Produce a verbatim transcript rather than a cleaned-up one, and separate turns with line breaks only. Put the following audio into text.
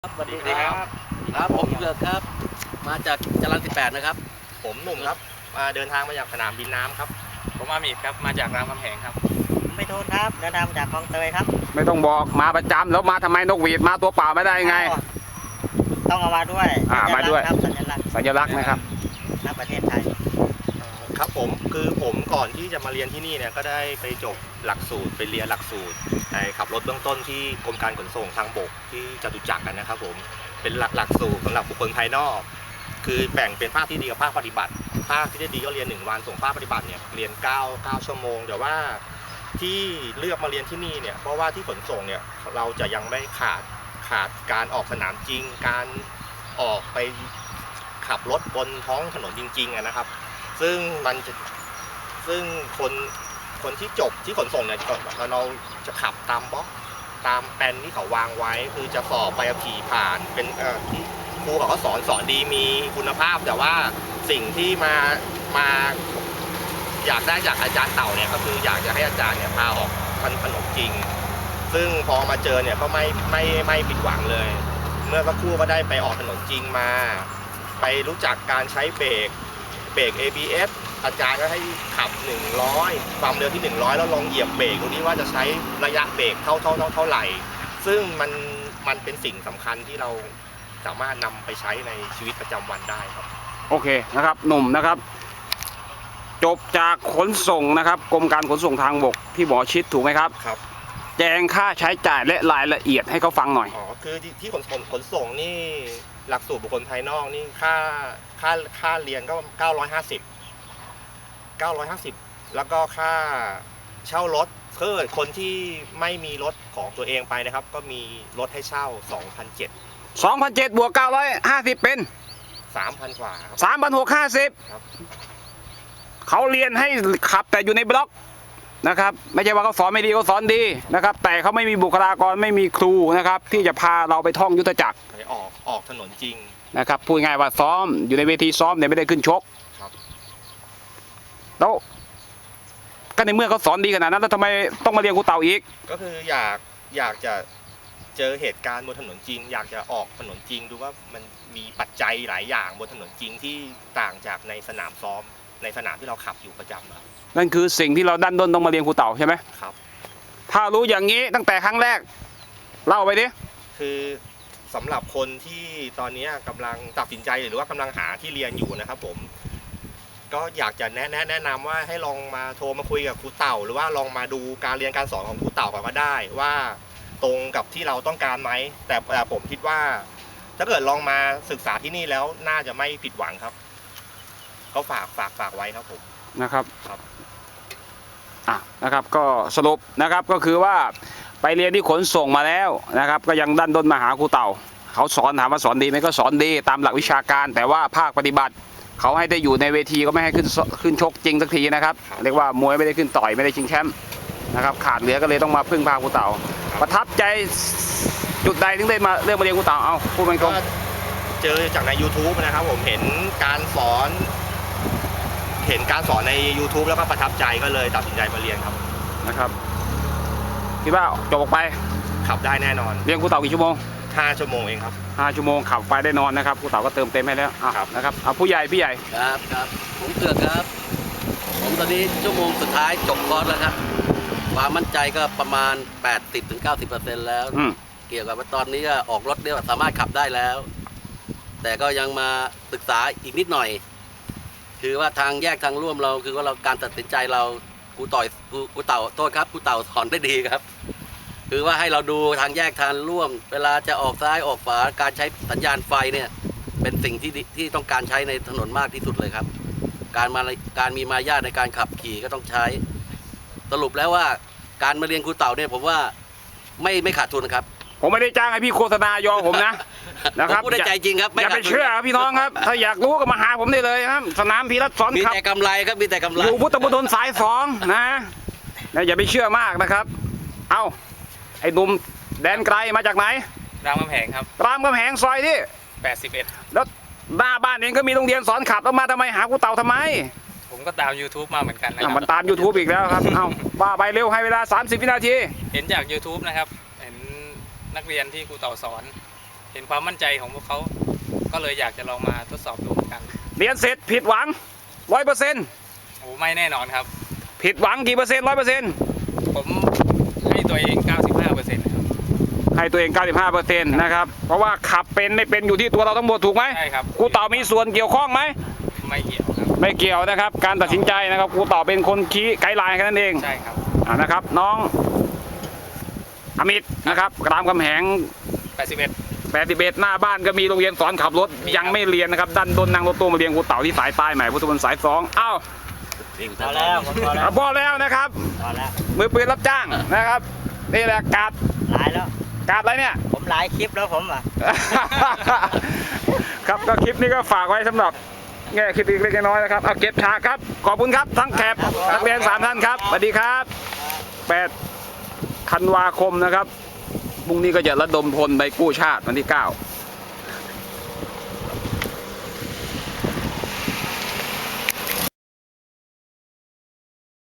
สวัสดีครับครับผมเกือกครับมาจากจรัญสิบแปดนะครับ
ผมหนุ่มครับมาเดินทางมาจากสนามบินน้ำครับ
ผมอามีดครับมาจากรามคำแหงครับ
ไม่โทษครับเดินทางจากคลองเตยครับ
ไม่ต้องบอกมาประจำแล้วมาทำไมนกหวีดมาตัวเปล่าไม่ได้ไง
ต้องเอามาด้วย
อ่ามาด้วย
ครับสัญลักษณ์
สัญลักษณ์นะครับ
ณประเทศไทย
ครับผมคือผมก่อนที่จะมาเรียนที่นี่เนี่ยก็ได้ไปจบหลักสูตรไปเรียนหลักสูตรขับรถเบื้องต้นที่กรมการขนส่งทางบกที่จตุจักรกันนะครับผมเป็นหลักหลักสูตรสำหรับบุคคลภายนอกคือแบ่งเป็นภาคที่ดีกับภาคปฏิบัติภาคที่ดีก็เรียนหนึ่งวันส่งภาคปฏิบัติเนี่ยเรียนเก้า เก้าชั่วโมงแต่ว่าที่เลือกมาเรียนที่นี่เนี่ยเพราะว่าที่ขนส่งเนี่ยเราจะยังไม่ขาดขาดการออกสนามจริงการออกไปขับรถบนท้องถนนจริงๆนะครับซึ่งมันจะซึ่งคนคนที่จบที่ขนส่งเนี่ยเราจะขับตามบล็อกตามแปลนที่เขาวางไว้คือจะสอบใบขับขี่ผ่านเป็นเอ่อที่ครูเขาก็สอนสอนดีมีคุณภาพแต่ว่าสิ่งที่มามาอยากได้จากอาจารย์เต่าเนี่ยก็คืออยากจะให้อาจารย์เนี่ยพาออกถนนจริงซึ่งพอมาเจอเนี่ยก็ไม่ไม่ไม่ผิดหวังเลยเมื่อสักครู่ก็ได้ไปออกถนนจริงมาไปรู้จักการใช้เบรกเบรก เอ บี เอส อาจารย์ก็ให้ขับหนึ่งร้อยความเร็วที่หนึ่งร้อยแล้วลองเหยียบเบรกตรงนี้ว่าจะใช้ระยะเบรกเท่าเท่าเท่าเท่าไหร่ซึ่งมันมันเป็นสิ่งสำคัญที่เราสามารถนำไปใช้ในชีวิตประจำวันได้ครับ
โอเคนะครับหนุ่มนะครับจบจากขนส่งนะครับกรมการขนส่งทางบกที่หมอชิดถูกไหมครับ
ครับ
แจ้งค่าใช้จ่ายและรายละเอียดให้เขาฟังหน่อย
อ๋อคือที่ขนส่งขนส่งนี่หลักสูตรบุคคลภายนอกนี่ค่าค่าค่าเรียนก็เก้าร้อยห้าสิบ เก้าร้อยห้าสิบแล้วก็ค่าเช่ารถเพื่อคนที่ไม่มีรถของตัวเองไปนะครับก็มีรถให้เช่า สองพันเจ็ดร้อย
สองพันเจ็ดร้อยบวกเก้าร้อยห้าสิบเป็น
สามพัน กว่าครับ
สามพันหกร้อยห้าสิบ
ครับ
เขาเรียนให้ขับแต่อยู่ในบล็อกนะครับไม่ใช่ว่าเขาสอนไม่ดีเขาสอนดีนะครับแต่เขาไม่มีบุคลากรไม่มีครูนะครับที่จะพาเราไปท่องยุทธจักร
ไปออกออกถนนจริง
นะครับพูดง่ายว่าซ้อมอยู่ในเวทีซ้อมเนี่ยไม่ได้ขึ้นชก
ครับ
แล้วก็ในเมื่อเขาสอนดีขนาดนั้นแล้วทำไมต้องมาเรียนครูเต่าอีก
ก็คืออยากอยากจะเจอเหตุการณ์บนถนนจริงอยากจะออกถนนจริงดูว่ามันมีปัจจัยหลายอย่างบนถนนจริงที่ต่างจากในสนามซ้อมในสนามที่เราขับอยู่ประจำครับ
นั่นคือสิ่งที่เราดันด้นต้องมาเรียนครูเต่าใช่ไหม
ครับ
ถ้ารู้อย่างนี้ตั้งแต่ครั้งแรกเล่าไปดิ
คือสำหรับคนที่ตอนนี้กำลังตัดสินใจหรือว่ากำลังหาที่เรียนอยู่นะครับผมก็อยากจะแนะแนะแนะนำว่าให้ลองมาโทรมาคุยกับครูเต่าหรือว่าลองมาดูการเรียนการสอนของครูเต่าก่อนก็ได้ว่าตรงกับที่เราต้องการไหมแต่ผมคิดว่าถ้าเกิดลองมาศึกษาที่นี่แล้วน่าจะไม่ผิดหวังครับก็ฝากฝากฝากไว้ครับผม
นะครับ
ครับ
อ่ะนะครับก็สรุปนะครับก็คือว่าไปเรียนที่ขนส่งมาแล้วนะครับก็ยังดันด้นมาหาครูเต่าเขาสอนถามว่าสอนดีไหมก็สอนดีตามหลักวิชาการแต่ว่าภาคปฏิบัติเขาให้ได้อยู่ในเวทีก็ไม่ให้ขึ้นขึ้นชกจริงสักทีนะครับเรียกว่ามวยไม่ได้ขึ้นต่อยไม่ได้ชิงแชมป์นะครับขาดเหลือก็เลยต้องมาพึ่งพาครูเต่าประทับใจจุดใดถึงได้มาเรื่องมาเรียนครูเต่าเอาพูดตรง
เจอจากใน ยูทูบ นะครับผมเห็นการสอนเห็นการสอนใน ยูทูบ แล้วก็ประทับใจก็เลยตัดสินใจมาเรียนครับ
นะครับคิดว่าจบออกไป
ขับได้แน่นอน
เรียนครูเต่ากี่ชั่วโมง
ห้าชั่วโมงเองครับ
ห้าชั่วโมงขับไปได้นอนนะครับครูเต่าก็เติมเต็มให้แล้วนะครับเอาผู้ใหญ่พี่ใหญ่
ครับครับผมเกือกครับผมตอนนี้ชั่วโมงสุดท้ายจบคอร์สแล้วครับความมั่นใจก็ประมาณ แปดสิบถึงเก้าสิบเปอร์เซ็นต์ แล้วเกี่ยวกับว่าตอนนี้ออกรถเรียกว่าสามารถขับได้แล้วแต่ก็ยังมาศึกษาอีกนิดหน่อยคือว่าทางแยกทางร่วมเราคือว่าเราการตัดสินใจเราครูต่อยครูเต่าโทษครับครูเต่าสอนได้ดีครับคือว่าให้เราดูทางแยกทางร่วมเวลาจะออกซ้ายออกขวาการใช้สัญญาณไฟเนี่ยเป็นสิ่งที่ที่ต้องการใช้ในถนนมากที่สุดเลยครับการมาการมีมารยาทในการขับขี่ก็ต้องใช้สรุปแล้วว่าการมาเรียนครูเต่าเนี่ยผมว่าไม่ไม่ขาดทุนครับ
ผมไม่ได้จ้างให้พี่โฆษณายอผมนะนะครับ
พูดใจจริงครับ
อย่าไปเชื่อพี่น้องครับถ้าอยากรู้ก็มาหาผมได้เลยครับสนามพีรัตน์สอนครับ
มีแต่กำไรครับมีแต่กำไร
อยู่พุทธมณฑลสายสองนะอย่าไปเชื่อมากนะครับเอ้าไอ้หนุ่มแดนไกลมาจากไหน
รามคำแหงครับ
รามคำแหงซอยที่
แปดสิบเอ็ด
แล้วหน้าบ้านเองก็มีโรงเรียนสอนขับแล้วมาทำไมหาครูเต่าทำไม
ผมก็ตาม ยูทูบ มาเหมือนกันนะครับ
มันตาม ยูทูบ อีกแล้วครับเอ้าว่าไปเร็วให้เวลาสามสิบวินาที
เห็นจาก ยูทูบ นะครับเห็นนักเรียนที่ครูเต่าสอนเห็นความมั่นใจของพวกเขาก็เลยอยากจะลองมาทดสอบดูเหมือนกัน
เรียนเสร็จผิดหวังร้อยเปอร์เซ็นต์
โอ้ไม่แน่นอนครับ
ผิดหวังกี่เปอร์เซ็นต์ร้อยเปอร์เซ็นต์
ผมให้ตัวเอง เก้าสิบห้าเปอร์เซ็นต์ ครับ
ให้ตัวเอง เก้าสิบห้าเปอร์เซ็นต์ นะครับเพราะว่าขับเป็นไม่เป็นอยู่ที่ตัวเราทั้งหมดถูกไหม
ใช่ครับ
ครูเต่ามีส่วนเกี่ยวข้องไหม
ไม่เกี่ยวครับ
ไม่เกี่ยวนะครับ การตัดสินใจนะครับครูเต่าเป็นคนชี้ไกด์ไลน์แค่นั้นเอง
ใช่ครับ
อ่านะครับน้องอมิตนะครับรามคำแหง
แปดสิบเอ็ด
แปดสิบเอ็ดหน้าบ้านก็มีโรงเรียนสอนขับรถ
มี
ยังไม่เรียนนะครับดันดนนั่งรถตู้มาเรียนครูเต่าที่สายใต้ใหม่พุทธมณฑลสายสองอ้าว
พอแล้วผมพอแล้ว
อ่ะพอแล้วนะครับ
พอแล้ว
มือปืนรับจ้างนะครับนี่แหละการ์ด
หลายแล้ว
การ์ดอะไรเนี่ย
ผมหลายคลิปแล้วผมอ่ะ
ครับก็คลิปนี้ก็ฝากไว้สำหรับแง่คิดเล็กๆน้อยๆนะครับเอาเก็บฉากครับขอบคุณครับทั้งแขกนักเรียนสามท่านครับสวัสดีครับแปดธันวาคมนะครับพรุ่งนี้ก็จะระดมพลไปกู้ชาติวันที่เก้า